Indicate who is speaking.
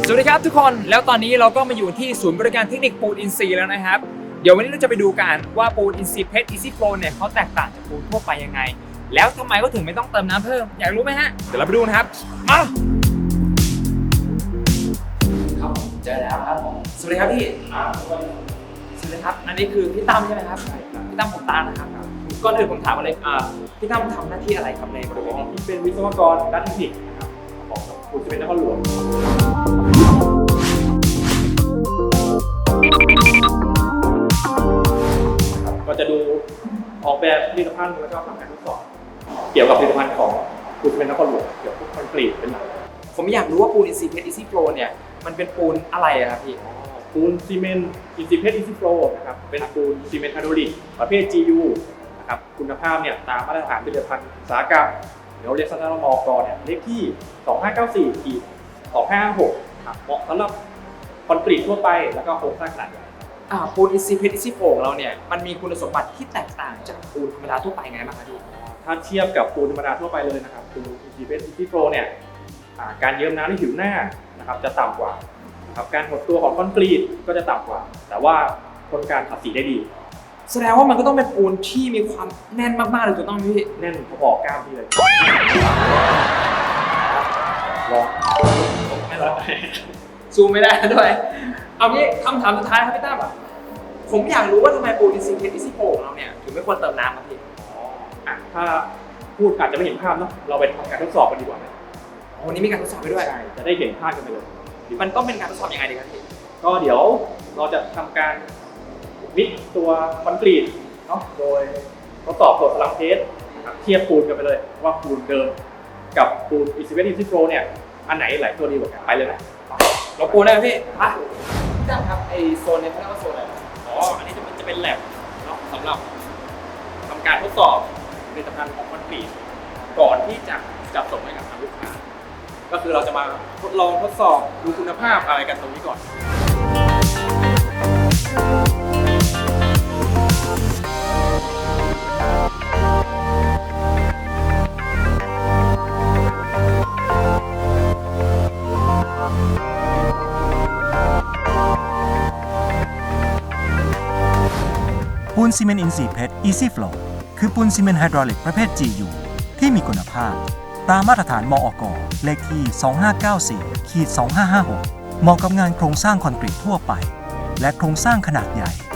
Speaker 1: สวัสดีครับทุกคนแล้วตอนนี้เราก็มาอยู่ที่ศูนย์บริการเทคนิคปูนอินทรีย์แล้วนะครับเดี๋ยววันนี้เราจะไปดูกันว่าปูนอินทรีย์เพชร Easy Flow เนี่ยเขาแตกต่างจากปูนทั่วไปยังไงแล้วทำไมก็ถึงไม่ต้องเติมน้ำเพิ่มอยากรู้ไหมฮะเดี๋ยวเราไปดูนะครับมาครับผมเจอแล้วครับผมสวัสดีครับพี่สวัสดีครับอันนี้คือพี่ตั้มใช่ไหมครับพี่ตั้มผมตาลนะครับก่อนอื่นผมถามเลยพี่ตั้มทำหน้าที่อะไรครับในบริเวณนี้
Speaker 2: ที่เป็นวิศวกรด้านเทคนิคนะครับของปูนซีเมนต์นครหลวงก็จะดูออกแบบผลิตภัณฑ์แล้วก็ทำการทดสอบเกี่ยวกับผลิตภัณฑ์ของปูนซีเมนต์นครหลวงเกี่ยวกับคอนกรีตเป็นหลัก
Speaker 1: ผมอยากรู้ว่าปูนอินทรีย์เพชร Easy Flow เนี่ยมันเป็นปูนอะไรอะครับพี่
Speaker 2: ปูนซีเมนต์อินซีเพชรอินซีโฟลนะครับเป็นปูนซีเมนต์ไฮดรอลิกประเภท GU นะครับคุณภาพเนี่ยตามมาตรฐานผลิตภัณฑ์อุตสาหกรรมเดี๋ยวเรียกสั้นๆมกเนี่ยเลขที่ 2594-2556ครับเหมาะสำหรับคอนกรีตทั่วไปแล้วก็โครงสร้างขนาดใหญ่
Speaker 1: ปูนอินทรีย์เพชร Easy Flow ของเราเนี่ยมันมีคุณสมบัติที่แตกต่างจากปูนธรรมดาทั่วไปไงบ้างครับพี่
Speaker 2: ถ้าเทียบกับปูนธรรมดาทั่วไปเลยนะครับปูนอินซีเพชรอินซีโฟลเนี่ยการเยิ้มน้ำที่ผิวหน้านะครับจะต่ำกว่าครับการหดตัวของคอนกรีตก็จะต่ำกว่า แต่ว่าทนการขัดสีได้ดี
Speaker 1: แสดงว่ามันก็ต้องเป็นปูนที่มีความแน่นมากๆเลยถูกต้องไหมพี่
Speaker 2: แน่นพอๆกล้ามที่เลยลอง
Speaker 1: ไม่หรอกซูมไม่ได้ด้วยเอางี้คำถามสุดท้ายครับพี่ตั้มผมอยากรู้ว่าทำไมปูนอินทรีย์เพชร Easy Flow ของเราเนี่ยถึงไม่ควรเติมน้ำครับพี่
Speaker 2: ถ้าพูดอาจจะไม่เห็นภาพเนาะเราไปทำการทดสอบกันดีกว่าไหม
Speaker 1: วันนี้มีการทดสอบไปด้วย
Speaker 2: จะได้เห็นภาพกันไปเลย
Speaker 1: มันต้องเป็นการทดสอบยังไงดีครับพี่
Speaker 2: ก็เดี๋ยวเราจะทำการวิกตัวคอนกรีตเนาะโดยทดสอบตัวพลังเทสนะครับเทียบปูนกันไปเลยว่าปูนเดิมกับปูนอินซิเวตอินซิโฟลเนี่ยอันไหนไหลตัวดีกว่ากันไปเลยนะ
Speaker 1: เราปูนได้ไหมพี่พี่ตั้มครับไอโซนเนี่ยเขาเรียกว่าโซนอะไร
Speaker 2: อันนี้จะเป็นแลบเนาะสำหรับทำการทดสอบผลิตภัณฑ์ของคอนกรีตก่อนที่จะจัดส่งให้กับทางลูกค้าก็คือเราจะมาทดลองทดสอบดูคุณภาพอะไรกันตรงนี้ก่อน
Speaker 3: ปูนซีเมนต์อินทรีย์เพชร Easy Flow คือปูนซีเมนต์ไฮดรอลิกประเภท GU ที่มีคุณภาพตามมาตรฐานมอก.เลขที่ 2594-2556 เหมาะกับงานโครงสร้างคอนกรีตทั่วไปและโครงสร้างขนาดใหญ่